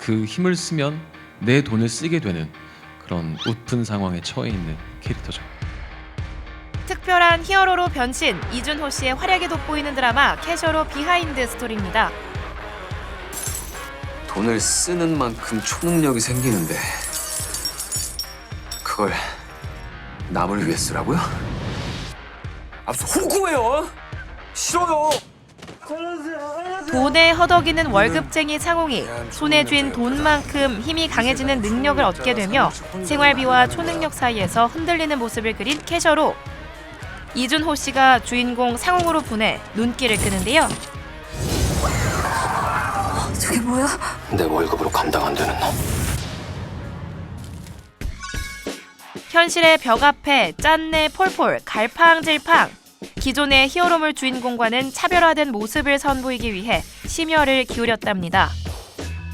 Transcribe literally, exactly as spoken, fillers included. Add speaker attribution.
Speaker 1: 그 힘을 쓰면 내 돈을 쓰게 되는 그런 웃픈 상황에 처해 있는 캐릭터죠.
Speaker 2: 특별한 히어로로 변신, 이준호 씨의 활약이 돋보이는 드라마 캐셔로 비하인드 스토리입니다.
Speaker 3: 돈을 쓰는 만큼 초능력이 생기는데 그걸 남을 위해 쓰라고요? 아, 무슨 호구예요? 싫어요.
Speaker 2: 돈에 허덕이는 월급쟁이 상홍이 손에 쥔 돈만큼 힘이 강해지는 능력을 얻게 되며 생활비와 초능력 사이에서 흔들리는 모습을 그린 캐셔로. 이준호 씨가 주인공 상홍으로 분해 눈길을 끄는데요.
Speaker 4: 저게 뭐야?
Speaker 3: 내 월급으로 감당 안 되는 놈.
Speaker 2: 현실의 벽 앞에 짠내 폴폴 갈팡질팡. 기존의 히어로물 주인공과는 차별화된 모습을 선보이기 위해 심혈을 기울였답니다.